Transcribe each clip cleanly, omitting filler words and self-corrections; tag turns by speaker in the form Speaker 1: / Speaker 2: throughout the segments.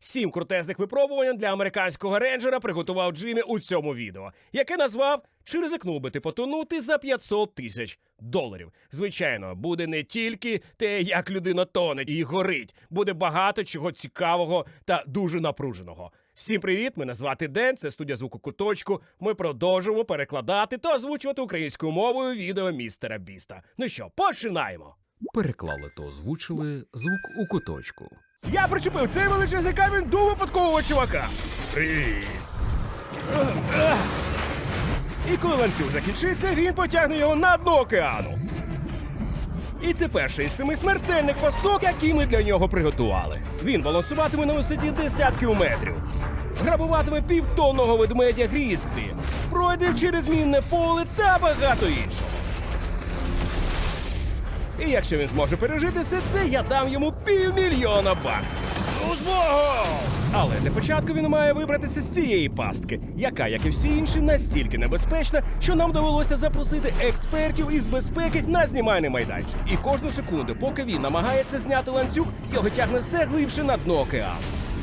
Speaker 1: 7 крутезних випробувань для американського рейнджера приготував Джиммі у цьому відео, яке назвав «Чи ризикнув би ти потонути за $500 000». Звичайно, буде не тільки те, як людина тоне і горить, буде багато чого цікавого та дуже напруженого. Всім привіт, мене звати Ден, це студія звуку Куточку. Ми продовжуємо перекладати та озвучувати українською мовою відео містера Біста. Ну що, починаємо!
Speaker 2: Переклали та озвучили звук у куточку.
Speaker 1: Я причепив цей величезний камінь до випадкового чувака. Привіт! І коли ланцюг закінчиться, він потягне його на дно океану. І це перший із 7 смертельних пасток, які ми для нього приготували. Він балансуватиме на висоті десятків метрів. Грабуватиме півтонного ведмедя Грізлі. Пройде через мінне поле та багато іншого. І якщо він зможе пережити все це, я дам йому $500 000. Ну, змогу! Але для початку він має вибратися з цієї пастки, яка, як і всі інші, настільки небезпечна, що нам довелося запросити експертів із безпеки на знімальний майданчик. І кожну секунду, поки він намагається зняти ланцюг, його тягне все глибше на дно океану.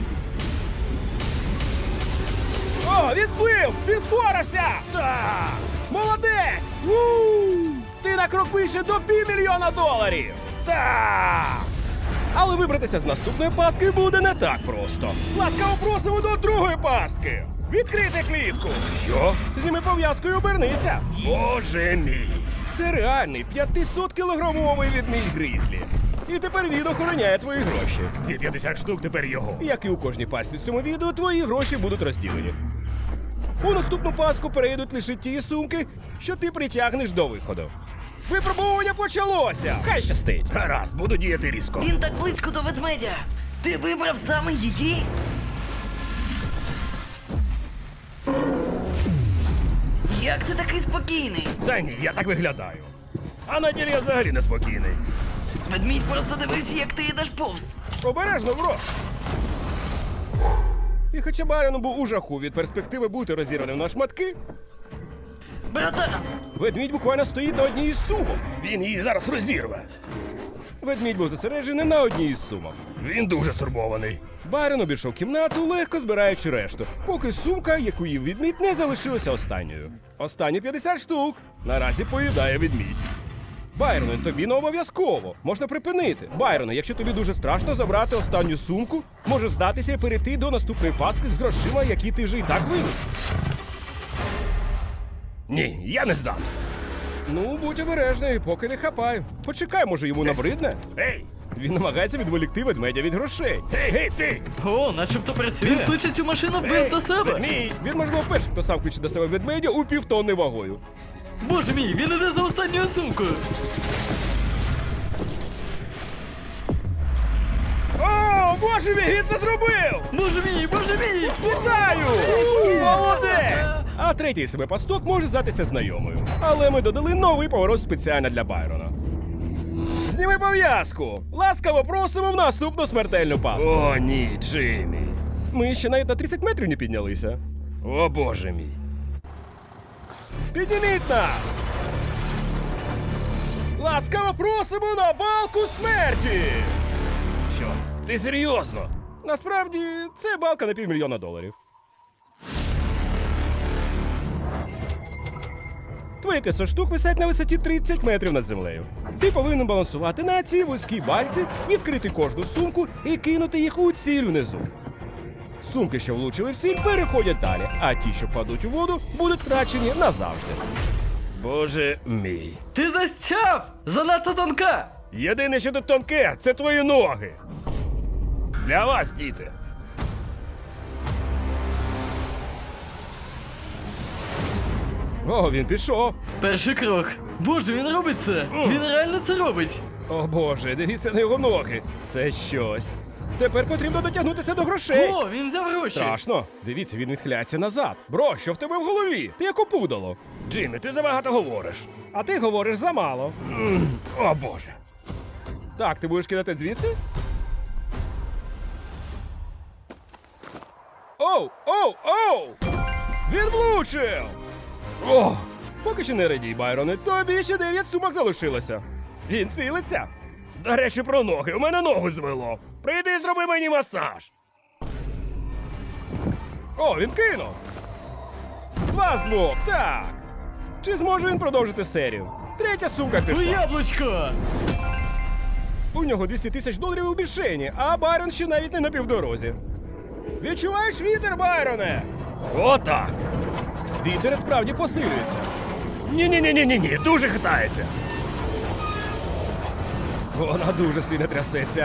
Speaker 1: О, він зплив! Він впорався! Так! Молодець! Ти на крок вище до $500 000! Так! Але вибратися з наступної пастки буде не так просто. Ласкаво просимо до другої пастки! Відкрити клітку! Що? Зніми пов'язку і обернися! Боже мій! Це реальний 500-кілограмовий ведмідь Грізлі. І тепер він охороняє твої гроші. Ці 50 штук тепер його. Як і у кожній пастці в цьому відео, твої гроші будуть розділені. У наступну пастку перейдуть лише ті сумки, що ти притягнеш до виходу. Випробування почалося! Хай щастить! Гаразд, буду діяти різко.
Speaker 3: Він так близько до ведмедя. Ти вибрав саме її? Як ти такий спокійний?
Speaker 1: Та ні, я так виглядаю. А на ділі я взагалі неспокійний.
Speaker 3: Ведмідь просто дивився, як ти йдеш повз.
Speaker 1: Обережно, бро! І хоча Баріон був у жаху від перспективи бути розірваним на шматки,
Speaker 3: Братан,
Speaker 1: ведмідь буквально стоїть на одній із сумок. Він її зараз розірве. Ведмідь був зосереджений на одній із сумок. Він дуже стурбований. Баріон обійшов кімнату, легко збираючи решту, поки сумка, яку їв ведмідь, не залишилася останньою. Останні 50 штук наразі поїдає ведмідь. Байроне, тобі не обов'язково. Можна припинити. Байроне, якщо тобі дуже страшно забрати останню сумку, може здатися і перейти до наступної пастки з грошима, які ти вже і так виніс. Ні, я не здамся. Ну, будь обережний, поки не хапай. Почекай, може йому набридне? Ей! Він намагається відволікти ведмедя від грошей. Гей, ти!
Speaker 4: О, начебто працює. Він кличе цю машину без до себе.
Speaker 1: Ведмідь! Він, можливо, перший, хто сам кличе до себе ведмедя у півтонни вагою.
Speaker 4: Боже мій, він іде за останньою сумкою.
Speaker 1: О, боже мій, він це зробив!
Speaker 4: Боже мій, боже мій!
Speaker 1: Вітаю! Молодець! А третій себе пасток може здатися знайомою. Але ми додали новий поворот спеціально для Байрона. Зніми пов'язку! Ласкаво просимо в наступну смертельну пастку. О, ні, Джиммі. Ми ще навіть на 30 метрів не піднялися. О, боже мій. Підніміть нас! Ласкаво просимо на балку смерті! Що? Ти серйозно? Насправді, це балка на $500 000. Твої 500 штук висять на висоті 30 метрів над землею. Ти повинен балансувати на цій вузькій бальці, відкрити кожну сумку і кинути їх у ціль внизу. Сумки, що влучили в ціль, переходять далі, а ті, що падуть у воду, будуть втрачені назавжди. Боже мій.
Speaker 4: Ти застяв! Занадто тонка!
Speaker 1: Єдине, що тут тонке, це твої ноги. Для вас, діти. О, він пішов.
Speaker 4: Перший крок. Боже, він робить це! Він реально це робить!
Speaker 1: О боже, дивіться на його ноги. Це щось. Тепер потрібно дотягнутися до грошей.
Speaker 4: О, він взяв гроші!
Speaker 1: Страшно. Дивіться, він відхиляється назад. Бро, що в тебе в голові? Ти як опудало. Джиммі, ти забагато говориш. А ти говориш замало. О боже. Так, ти будеш кидати звідси? Оу! Оу! Оу! Він влучив! О! Поки що не радій, Байроне, тобі ще 9 сумок залишилося. Він цілиться. До речі, про ноги. У мене ногу звело. Прийди і зроби мені масаж. О, він кинув! 2 з 2, так! Чи зможе він продовжити серію? Третя сумка
Speaker 4: У
Speaker 1: пішла.
Speaker 4: яблучко!
Speaker 1: У нього 200 тисяч доларів у мішені, а Байрон ще навіть не на півдорозі. Відчуваєш вітер, Байроне? Отак. Вітер справді посилюється. Ні, дуже хитається. Вона дуже сильно трясеться.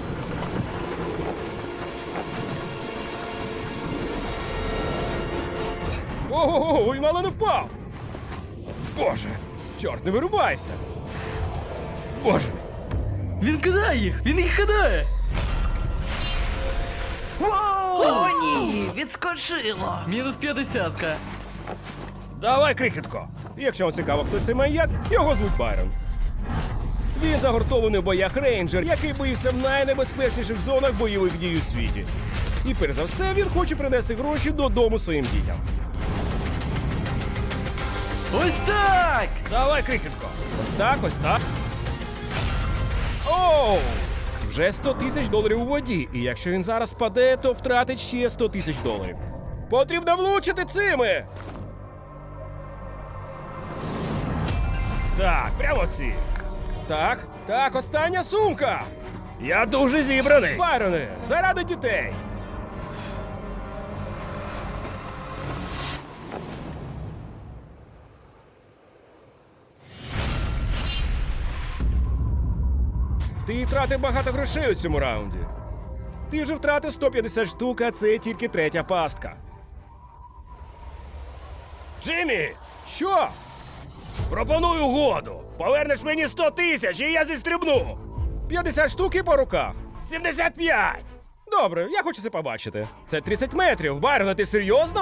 Speaker 1: Ого, і мало не впав. Боже, чорт, не вирубайся. Боже.
Speaker 4: Він кидає їх! Він їх кидає!
Speaker 3: О, ні, відскочило.
Speaker 4: Мінус 50-ка.
Speaker 1: Давай, крихітко. Якщо вам цікаво, хто цей маньяк, його звуть Байрон. Він загортований у боях рейнджер, який боївся в найнебезпечніших зонах бойових дій у світі. І перш за все, він хоче принести гроші додому своїм дітям.
Speaker 4: Ось так!
Speaker 1: Давай, крихітко. Ось так, ось так. Оу! Вже 100 тисяч доларів у воді, і якщо він зараз впаде, то втратить ще 100 тисяч доларів. Потрібно влучити цими! Так, прямо ці. Так, остання сумка. Я дуже зібраний. Байроне, заради дітей. Ти втратив багато грошей у цьому раунді. Ти вже втратив 150 штук, а це тільки третя пастка. Джиммі! Що? Пропоную угоду. Повернеш мені 100 тисяч, і я зістрибну. 50 штук і по руках. 75. Добре, я хочу це побачити. Це 30 метрів. Байрон, ти серйозно?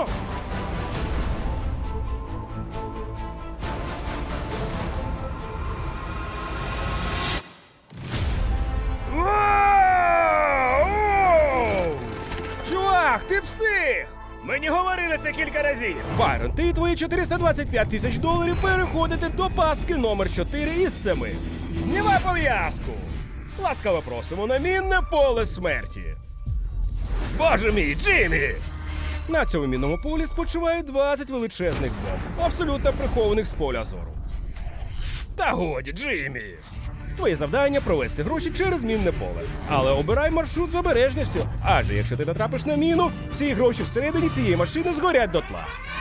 Speaker 1: Воу! Чувак, ти псих! Мені говорили це кілька разів. Байрон, ти і твої 425 тисяч доларів переходите до пастки номер 4 із 7. Знімай пов'язку! Ласкаво просимо на мінне поле смерті. Боже мій, Джиммі! На цьому мінному полі спочивають 20 величезних бомб, абсолютно прихованих з поля зору. Та годі, Джиммі! Твоє завдання провести гроші через мінне поле. Але обирай маршрут з обережністю, адже якщо ти натрапиш на міну, всі гроші всередині цієї машини згорять дотла.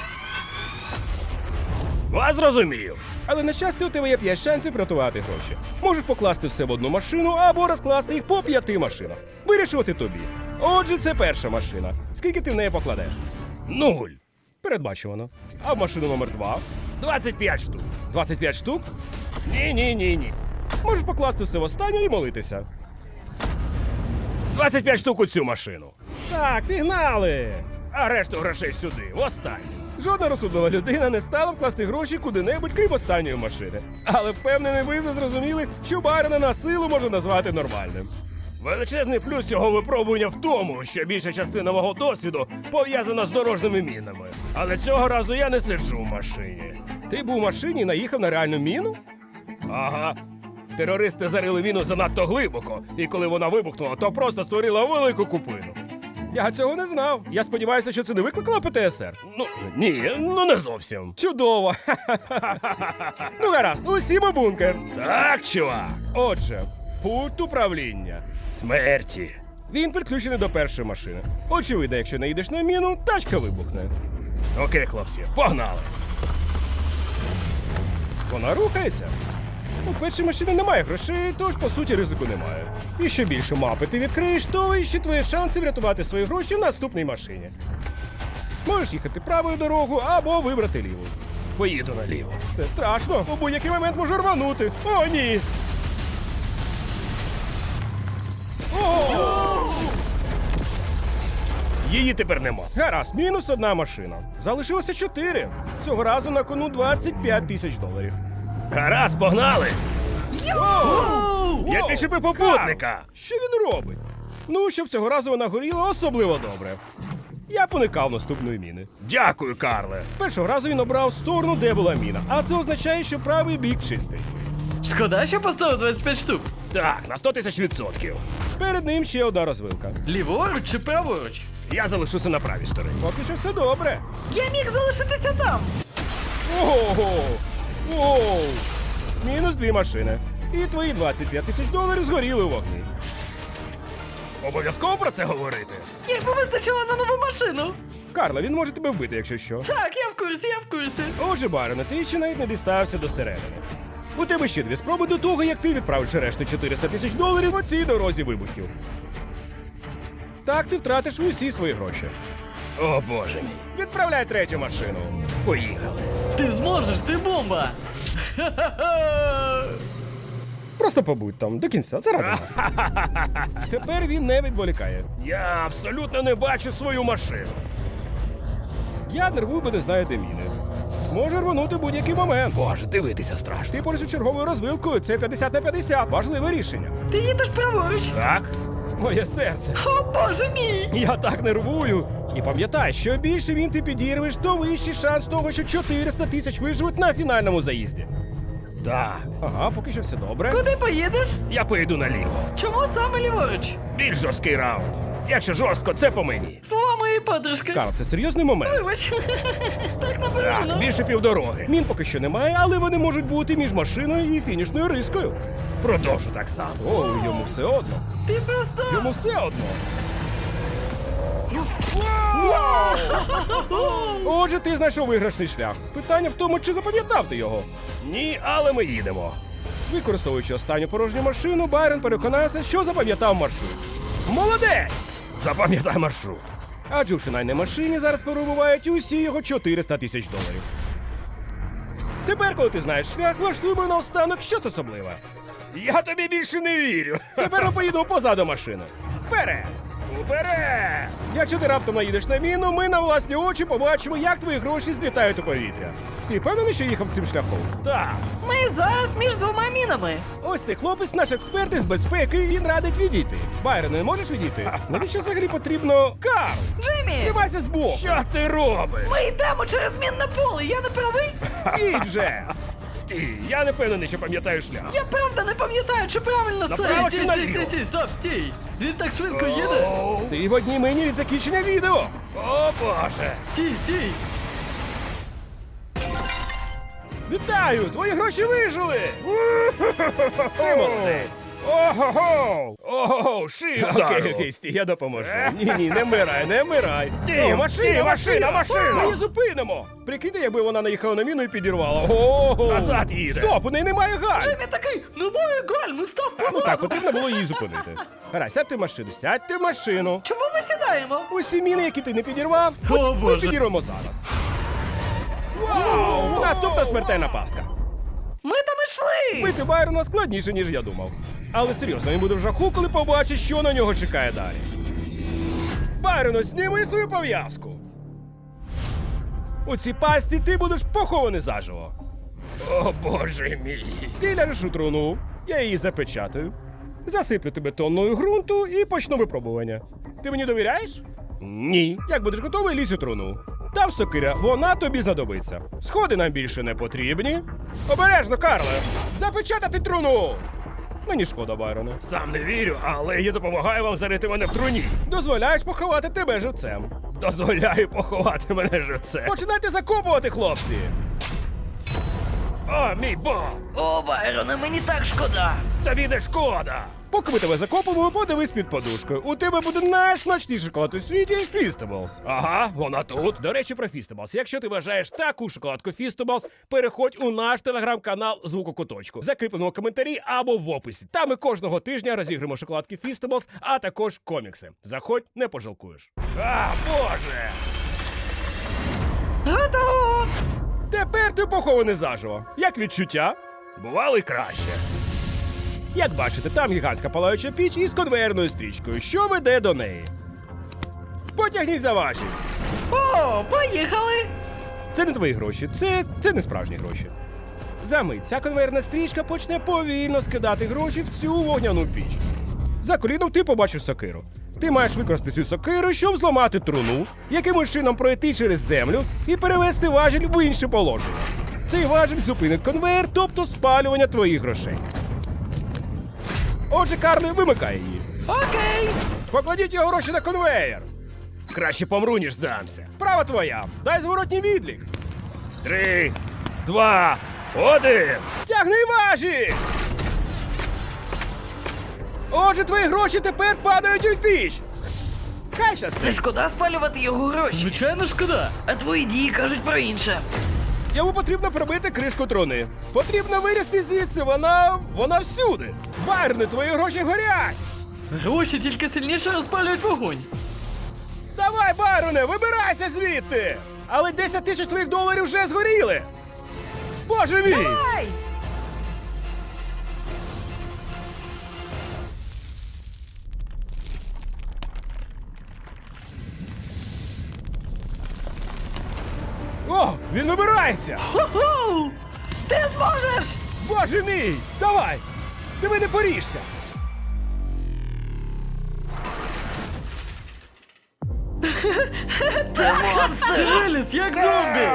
Speaker 1: Вас зрозумів. Але на щастя у тебе є 5 шансів врятувати гроші. Можеш покласти все в одну машину або розкласти їх по 5 машинах. Вирішувати тобі. Отже, це перша машина. Скільки ти в неї покладеш? 0. Передбачувано. А в машину номер 2? 25 штук. 25 штук? Ні. Можеш покласти все в останню і молитися. 25 штук у цю машину. Так, пігнали! А решту грошей сюди, в останню. Жодна розсудлива людина не стала вкласти гроші куди-небудь, крім останньої машини. Але впевнений, ви вже зрозуміли, що Байрона на силу можна назвати нормальним. Величезний плюс цього випробування в тому, що більша частина мого досвіду пов'язана з дорожніми мінами. Але цього разу я не сиджу в машині. Ти був у машині і наїхав на реальну міну? Ага. Терористи зарили міну занадто глибоко, і коли вона вибухнула, то просто створила велику купину. Я цього не знав. Я сподіваюся, що це не викликало ПТСР. Ні, не зовсім. Чудово. Ну гаразд, усім у бункер. Так, чувак. Отже, пульт управління. Смерті. Він підключений до першої машини. Очевидно, якщо не їдеш на міну, тачка вибухне. Окей, хлопці, погнали. Вона рухається. У першій машині немає грошей, тож, по суті, ризику немає. І що більше мапи ти відкриєш, то вищі твої шанси врятувати свої гроші в наступній машині. Можеш їхати правою дорогою або вибрати ліву. Поїду наліво. Це страшно, у будь-який момент можу рванути. О, ні! О! Її тепер нема. Гаразд, мінус одна машина. Залишилося 4. Цього разу на кону 25 тисяч доларів. Гаразд, погнали! Я підчепив попутника! Що він робить? Ну, щоб цього разу вона горіла особливо добре. Я поникав наступної міни. Дякую, Карле! Першого разу він обрав сторону, де була міна, а це означає, що правий бік чистий.
Speaker 4: Шкода, що поставив 25 штук.
Speaker 1: Так, на 100 000 %. Перед ним ще одна розвилка.
Speaker 4: Ліворуч чи праворуч?
Speaker 1: Я залишуся на правій стороні. Поки що все добре.
Speaker 3: Я міг залишитися там.
Speaker 1: Ого! Оу! Мінус 2 машини. І твої 25 000 $ згоріли у вогні. Обов'язково про це говорити.
Speaker 3: Якби вистачило на нову машину.
Speaker 1: Карла, він може тебе вбити, якщо що.
Speaker 4: Так, я в курсі, я в курсі.
Speaker 1: Отже, Байроне, ти ще навіть не дістався до середини. У тебе ще 2 спроби до того, як ти відправиш решту 400 000 $ по цій дорозі вибухів. Так ти втратиш усі свої гроші. О, боже мій. Відправляй третю машину. Поїхали.
Speaker 4: Ти зможеш, ти бомба. Ха-ха-ха.
Speaker 1: Просто побудь там до кінця, заради нас. Тепер він не відволікає. Я абсолютно не бачу свою машину. Я нервую, бо не знаю, де міни. Може рвонути будь-який момент. Боже, дивитися страшно. Ти поруч із черговою розвилкою, це 50 на 50. Важливе рішення.
Speaker 3: Ти їдеш праворуч.
Speaker 1: Так, моє серце.
Speaker 3: О, боже мій!
Speaker 1: Я так нервую. І пам'ятай, що більше він ти підірвеш, то вищий шанс того, що 400 000 виживуть на фінальному заїзді. Так. Ага, поки що все добре.
Speaker 3: Куди поїдеш?
Speaker 1: Я поїду наліво.
Speaker 3: Чому саме ліворуч?
Speaker 1: Більш жорсткий раунд. Якщо жорстко, це по мені.
Speaker 3: Слова моєї подружки.
Speaker 1: Карл, це серйозний момент.
Speaker 3: Вибач. Так
Speaker 1: Так,
Speaker 3: напружено.
Speaker 1: більше півдороги. Мін поки що немає, але вони можуть бути між машиною і фінішною рискою. Продовжу так само. О, йому все одно.
Speaker 3: Ти просто...
Speaker 1: Йому все одно. Вау! Отже, ти знайшов виграшний шлях. Питання в тому, чи запам'ятав ти його. Ні, але ми їдемо. Використовуючи останню порожню машину, Байрон переконався, що запам'ятав маршрут. Молодець! Запам'ятай маршрут. Адже в фінальній машині зараз перебувають усі його 400 000 $. Тепер, коли ти знаєш шлях, влаштуємо наостанок щось особливе. Я тобі більше не вірю. Тепер ми поїдемо позаду машини. Вперед! Уперед! Якщо ти раптом наїдеш на міну, ми на власні очі побачимо, як твої гроші злітають у повітря. Ти впевнений, що їхав цим шляхом? Так.
Speaker 3: Ми зараз між двома мінами.
Speaker 1: Ось ти хлопець, наш експерт із безпеки, і він радить відійти. Байрон, не можеш відійти? Навіщо взагалі потрібно... Карл!
Speaker 3: Джеймі!
Speaker 1: Тримайся збоку! Що ти робиш?
Speaker 3: Ми йдемо через мінне поле, я не правий?
Speaker 1: Їдь же! Стій, я не впевнений, що пам'ятаю шлях.
Speaker 3: Я правда не пам'ятаю, чи правильно це.
Speaker 1: Направо чи
Speaker 4: Стій,
Speaker 1: наліво?
Speaker 4: стій, стій, стоп, стій. Він так швидко їде.
Speaker 1: Ти в одній мені від закінчення відео. О, Боже!
Speaker 4: Стій, стій.
Speaker 1: Вітаю! Твої гроші вижили! Ти молодець! Ого-го! Ого, шию! Окей, стій, я допоможу. Ні, не вмирай, не вмирай. Стій, машина! Ми її зупинимо! Прикиньте, якби вона наїхала на міну і підірвала. Ого! Назад їде! Стоп, у неї немає гальм!
Speaker 3: Джеймі такий, немає гальм, став
Speaker 1: Ну
Speaker 3: позаду.
Speaker 1: так, потрібно було її зупинити. Гаразд, сядьте в машину, сядьте в машину.
Speaker 3: Чому ми сідаємо?
Speaker 1: Усі міни, які ти не підірвав,
Speaker 4: О,
Speaker 1: ми
Speaker 4: Боже.
Speaker 1: підірвемо зараз. Вау! Наступна смертельна пастка.
Speaker 3: Ми там ішли.
Speaker 1: Бити Байрона складніше, ніж я думав. Але серйозно, він буде в жаху, коли побачить, що на нього чекає далі. Байрону, зніми свою пов'язку. У цій пастці ти будеш похований заживо. О, боже мій. Ти ляжеш у труну, я її запечатаю, засиплю тебе тонною ґрунту і почну випробування. Ти мені довіряєш? Ні. Як будеш готовий, лізь у труну. Там сокиря, вона тобі знадобиться. Сходи нам більше не потрібні. Обережно, Карле! Запечатати труну! Мені шкода, Байроне. Сам не вірю, але я допомагаю вам зарити мене в труні. Дозволяєш поховати тебе живцем. Дозволяю поховати мене живцем. Починайте закопувати, хлопці! О, мій бог!
Speaker 3: О, Байроне, мені так шкода.
Speaker 1: Тобі не шкода! Поки ми тебе закопимо, подивись під подушкою. У тебе буде найсмачніший шоколад у світі Feastables. Ага, вона тут. До речі, про Feastables. Якщо ти бажаєш таку шоколадку Feastables, переходь у наш телеграм-канал «Звук у куточку». В закріпленому коментарі або в описі. Там ми кожного тижня розіграємо шоколадки Feastables, а також комікси. Заходь, не пожалкуєш. А, боже!
Speaker 3: Готово.
Speaker 1: Тепер ти похований заживо. Як відчуття? Бувало й краще. Як бачите, там гігантська палаюча піч із конвейерною стрічкою, що веде до неї. Потягніть за ваші.
Speaker 3: О, поїхали.
Speaker 1: Це не твої гроші, це не справжні гроші. Замить ця конвейерна стрічка почне повільно скидати гроші в цю вогняну піч. За коліном ти побачиш сокиру. Ти маєш використати цю сокиру, щоб зламати труну, якимось чином пройти через землю і перевести важіль в інше положення. Цей важіль зупинить конвейер, тобто спалювання твоїх грошей. Отже, Карле вимикає її.
Speaker 3: Окей.
Speaker 1: Покладіть його гроші на конвейер. Краще помру, ніж здамся. Права твоя. Дай зворотній відлік. 3, 2, 1. Тягни важі! Отже, твої гроші тепер падають у піч. Хай
Speaker 3: Не
Speaker 1: щастить.
Speaker 3: шкода спалювати його гроші.
Speaker 4: Звичайно, шкода.
Speaker 3: А твої дії кажуть про інше.
Speaker 1: Йому потрібно пробити кришку труни. Потрібно вирізти звідси, вона всюди. Байроне, твої гроші горять.
Speaker 4: Гроші тільки сильніше розпалюють вогонь.
Speaker 1: Давай, Байроне, вибирайся звідти! Але 10 тисяч твоїх доларів вже згоріли! Боже мій!
Speaker 3: Ай!
Speaker 1: О, він вибирається!
Speaker 3: Ху-ху! Ти зможеш!
Speaker 1: Боже мій! Давай! Ти мене поріжся!
Speaker 3: Ти монстр!
Speaker 4: Ти виліз, як зомбі!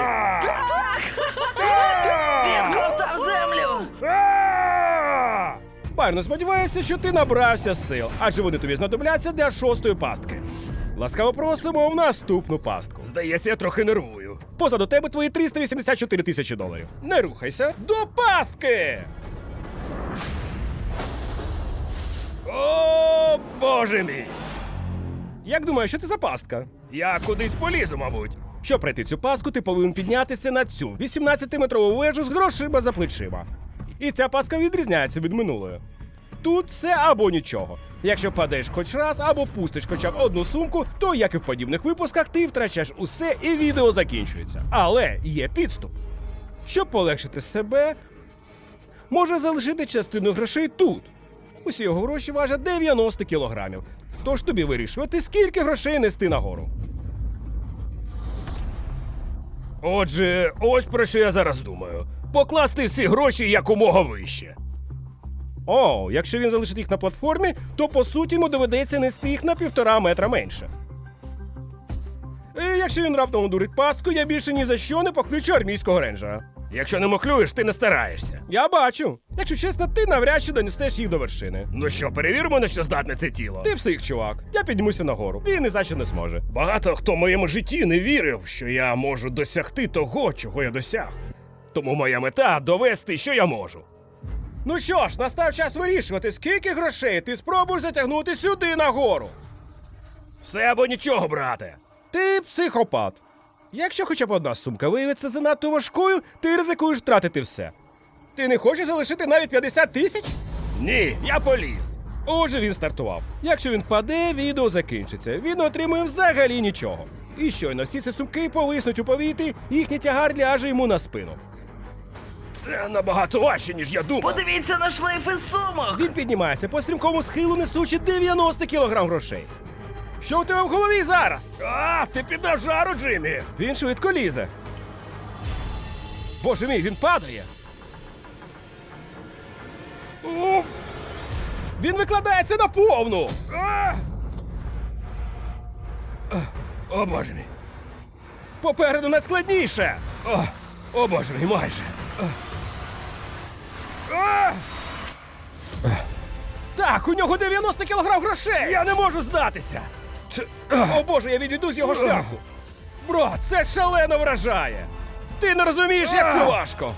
Speaker 3: Він ковтав землю!
Speaker 1: Байроне, сподіваюся, що ти набрався сил, адже вони тобі знадобляться для 6-ї пастки. Ласкаво просимо в наступну пастку. Здається, я трохи нервую. Позаду тебе твої 384 тисячі доларів. Не рухайся до пастки! О, боже мій! Як думаєш, що це за пастка? Я кудись полізу, мабуть. Щоб пройти цю пастку, ти повинен піднятися на цю 18-метрову вежу з грошима за плечима. І ця пастка відрізняється від минулої. Тут все або нічого. Якщо падаєш хоч раз або пустиш хоча б одну сумку, то, як і в подібних випусках, ти втрачаєш усе і відео закінчується. Але є підступ. Щоб полегшити себе, може залишити частину грошей тут. Усі його гроші важать 90 кілограмів. Тож тобі вирішувати, скільки грошей нести нагору. Отже, ось про що я зараз думаю. Покласти всі гроші якомога вище. О, якщо він залишить їх на платформі, то по суті йому доведеться нести їх на 1,5 метра менше. І якщо він раптом одурить пастку, я більше ні за що не покличу армійського рейнджера. Якщо не махлюєш, ти не стараєшся. Я бачу. Якщо чесно, ти навряд чи донесеш їх до вершини. Ну що, перевіримо, на що здатне це тіло. Ти псих, чувак. Я піднімуся нагору. Він ні за що не зможе. Багато хто в моєму житті не вірив, що я можу досягти того, чого я досяг. Тому моя мета довести, що я можу. Ну що ж, настав час вирішувати, скільки грошей ти спробуєш затягнути сюди нагору. Все або нічого, брате. Ти психопат. Якщо хоча б одна сумка виявиться занадто важкою, ти ризикуєш втратити все. Ти не хочеш залишити навіть 50 тисяч? Ні, я поліз. Отже, він стартував. Якщо він впаде, відео закінчиться. Він не отримує взагалі нічого. І щойно всі ці сумки повиснуть у повітрі, їхній тягар ляже йому на спину. Це набагато важче, ніж я думав.
Speaker 3: Подивіться на шлейф із сумок!
Speaker 1: Він піднімається по стрімкому схилу, несучи 90 кілограм грошей. Що у тебе в голові зараз? А, ти піддав жару, Джиммі! Він швидко лізе. Боже мій, він падає. О! Він викладається на повну. О, боже мій. Попереду найскладніше. О, боже мій, майже. Так, у нього 90 кілограм грошей! Я не можу здатися! О боже, я відійду з його шляху! Бро, це шалено вражає! Ти не розумієш, як це важко!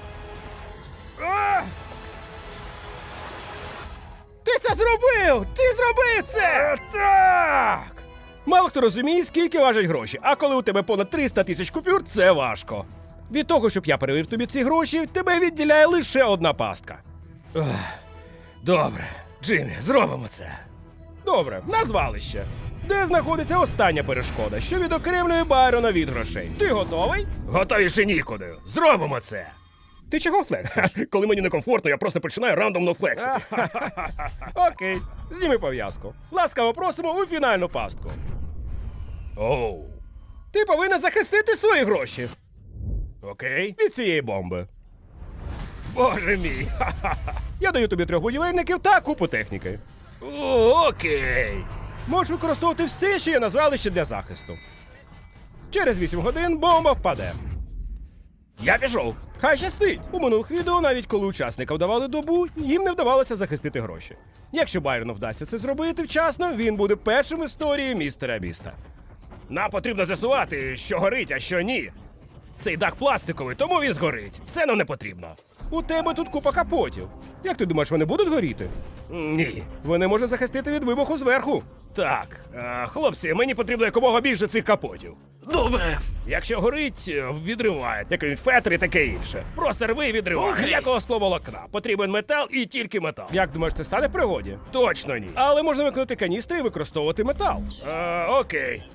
Speaker 1: Ти це зробив! Ти зробив це! Так! Мало хто розуміє, скільки важать гроші, а коли у тебе понад 300 тисяч купюр, це важко. Від того, щоб я перевів тобі ці гроші, тебе відділяє лише одна пастка. Добре, Джиммі, зробимо це. Добре, на звалище. Де знаходиться остання перешкода, що відокремлює Байрона від грошей? Ти готовий? Готовіше нікуди. Зробимо це. Ти чого флексиш? Коли мені некомфортно, я просто починаю рандомно флексити. Окей, зніми пов'язку. Ласкаво просимо у фінальну пастку. Оу. Ти повинен захистити свої гроші. Окей. Від цієї бомби. Боже мій. Я даю тобі 3 будівельників та купу техніки. Окей. Можеш використовувати все, що є на звалищі для захисту. Через 8 годин бомба впаде. Я пішов. Хай щастить. У минулих відео, навіть коли учасникам давали добу, їм не вдавалося захистити гроші. Якщо Байрону вдасться це зробити вчасно, він буде першим в історії містера Біста. Нам потрібно з'ясувати, що горить, а що ні. Цей дах пластиковий, тому він згорить. Це нам не потрібно. У тебе тут купа капотів. Як ти думаєш, вони будуть горіти? Ні. Вони можуть захистити від вибуху зверху. Так, хлопці, мені потрібно якомога більше цих капотів.
Speaker 3: Добре.
Speaker 1: Якщо горить, відриває, як від фетр і таке інше. Просто рви і відривай.
Speaker 3: Окей.
Speaker 1: Ніякого скловолокна. Потрібен метал і тільки метал. Як думаєш, це стане в пригоді? Точно ні. Але можна виконати каністри і використовувати метал. Окей.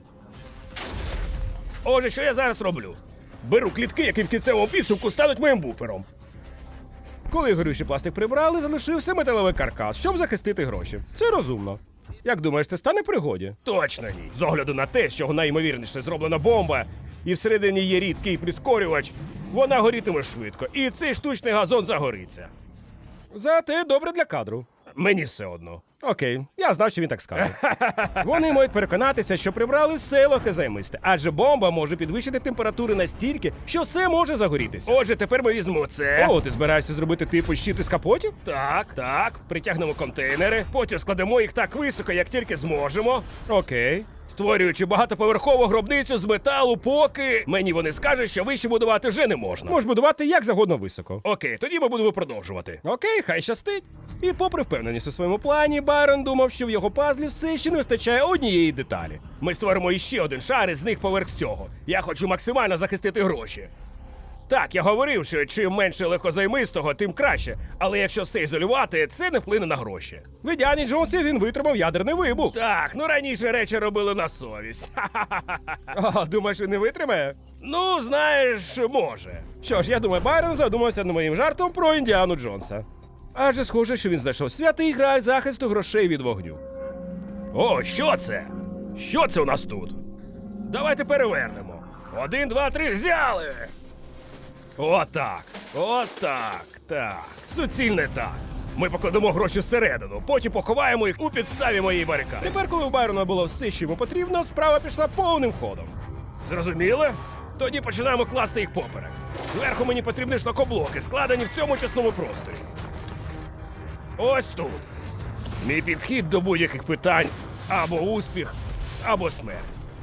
Speaker 1: Отже, що я зараз роблю? Беру клітки, які в кінцевому підсумку стануть моїм буфером. Коли горючий пластик прибрали, залишився металевий каркас, щоб захистити гроші. Це розумно. Як думаєш, це стане в пригоді? Точно ні. З огляду на те, що найімовірніше зроблена бомба, і всередині є рідкий прискорювач, вона горітиме швидко, і цей штучний газон загориться. Зате добре для кадру. Мені все одно. Окей, я знав, що він так скаже. Вони можуть переконатися, що прибрали все легкозаймисте, адже бомба може підвищити температури настільки, що все може загорітися. Отже, тепер ми візьмемо це. О, ти збираєшся зробити типу щит із капотів? Так. Притягнемо контейнери, потім складемо їх так високо, як тільки зможемо. Окей. Створюючи багатоповерхову гробницю з металу, поки мені вони скажуть, що вище будувати вже не можна. Можеш будувати як завгодно високо. Окей, тоді ми будемо продовжувати. Окей, хай щастить. І попри впевненість у своєму плані, Байрон думав, що в його пазлі все ще не вистачає однієї деталі. Ми створимо іще один шар із них поверх цього. Я хочу максимально захистити гроші. Так, я говорив, що чим менше легкозаймистого, тим краще. Але якщо все ізолювати, це не вплине на гроші. В Індіані Джонсі він витримав ядерний вибух. Так, раніше речі робили на совість. О, думаєш, він не витримає? Ну, знаєш, може. Що ж, я думаю, Байрон задумався над моїм жартом про Індіану Джонса. Адже схоже, що він знайшов святий граль захисту грошей від вогню. О, що це? Що це у нас тут? Давайте перевернемо. 1, 2, 3, взяли! Отак. Так. Суцільне так. Ми покладемо гроші всередину, потім поховаємо їх у підставі моєї барикади. Тепер, коли у Байрона було все, що йому потрібно, справа пішла повним ходом. Зрозуміли? Тоді починаємо класти їх поперек. Зверху мені потрібні шлакоблоки, складені в цьому тісному просторі. Ось тут. Мій підхід до будь-яких питань або успіх, або смерть.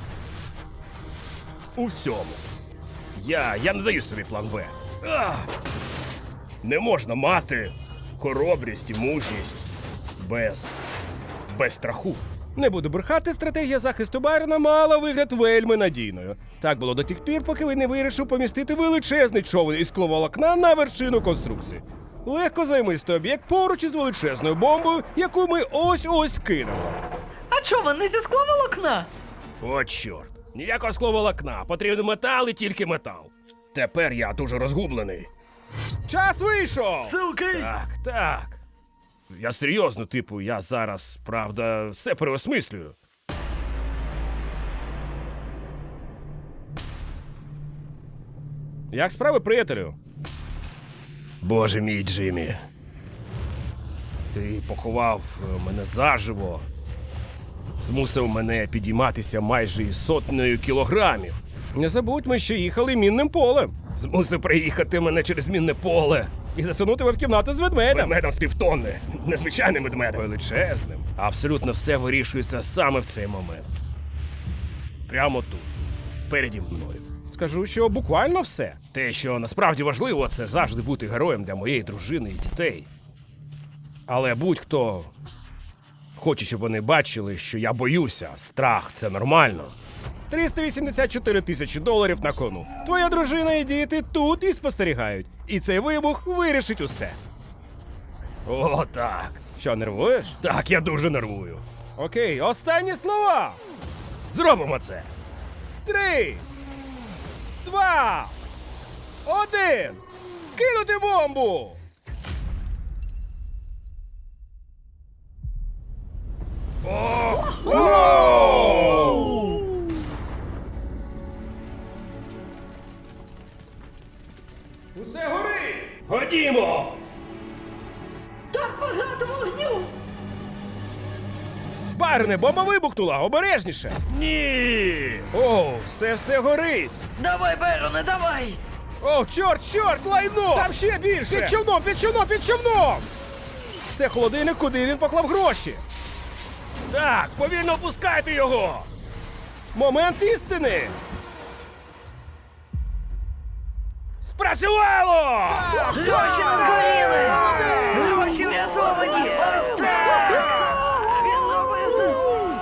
Speaker 1: У всьому. Я не даю собі план Б. Не можна мати хоробрість і мужність без страху. Не буду брехати, стратегія захисту Байрона мала вигляд вельми надійною. Так було до тих пір, поки він не вирішив помістити величезний човен із скловолокна на вершину конструкції. Легкозаймистий об'єкт поруч із величезною бомбою, яку ми ось-ось кинемо.
Speaker 3: А човен не зі скловолокна?
Speaker 1: О, чорт. Ніякого скловолокна. Потрібен метал і тільки метал. Тепер я дуже розгублений. Час вийшов!
Speaker 3: Все окей?
Speaker 1: Так. Я серйозно, типу, я зараз, правда, все переосмислюю. Як справи, приятелю? Боже мій, Джиммі. Ти поховав мене заживо. Змусив мене підійматися майже із 100 кілограмів. Не забудьмо, що їхали мінним полем. Змусив приїхати мене через мінне поле і засунути в кімнату з ведмедем. Ведмедем з півтонни. Незвичайним ведмедем. Величезним. Абсолютно все вирішується саме в цей момент. Прямо тут. Переді мною. Скажу, що буквально все. Те, що насправді важливо, це завжди бути героєм для моєї дружини і дітей. Але будь-хто хоче, щоб вони бачили, що я боюся. Страх – це нормально. 384 тисячі доларів на кону. Твоя дружина і діти тут і спостерігають. І цей вибух вирішить усе. О, так. Що, нервуєш? Так, я дуже нервую. Окей, останні слова. Зробимо це. 3, 2, 1. Скинути бомбу! Усе горить! Ходімо!
Speaker 3: Там багато вогню!
Speaker 1: Байроне, бомба вибухнула! Обережніше! Ні! О, все горить!
Speaker 3: Давай, Байроне, давай!
Speaker 1: О, чорт, лайно! Там ще більше! Під човном! Це холодильник, куди він поклав гроші. Так, повільно опускайте його! Момент істини! Спрацювало!
Speaker 3: Гроші не згоріли! Гроші врятовані! Ось так! Він зробив це!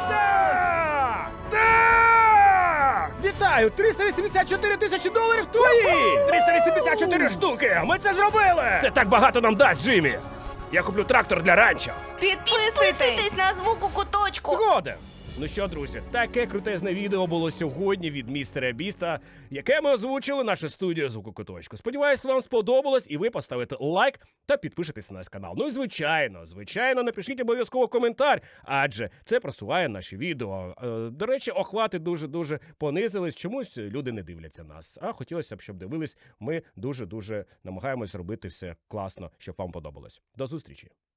Speaker 1: Так! Вітаю! 384 тисячі доларів твої! 384 штуки! Ми це зробили! Це так багато нам дасть, Джиммі! Я куплю трактор для ранчо.
Speaker 5: Підписуйтесь на звук у куточку.
Speaker 1: Згоден! Ну що, друзі, таке крутезне відео було сьогодні від містера Біста, яке ми озвучили наша студія «Звук у куточку». Сподіваюсь, вам сподобалось і ви поставите лайк та підпишетесь на наш канал. Ну і звичайно, напишіть обов'язково коментар, адже це просуває наші відео. До речі, охвати дуже-дуже понизились, чомусь люди не дивляться нас. А хотілося б, щоб дивились, ми дуже-дуже намагаємось робити все класно, щоб вам подобалось. До зустрічі!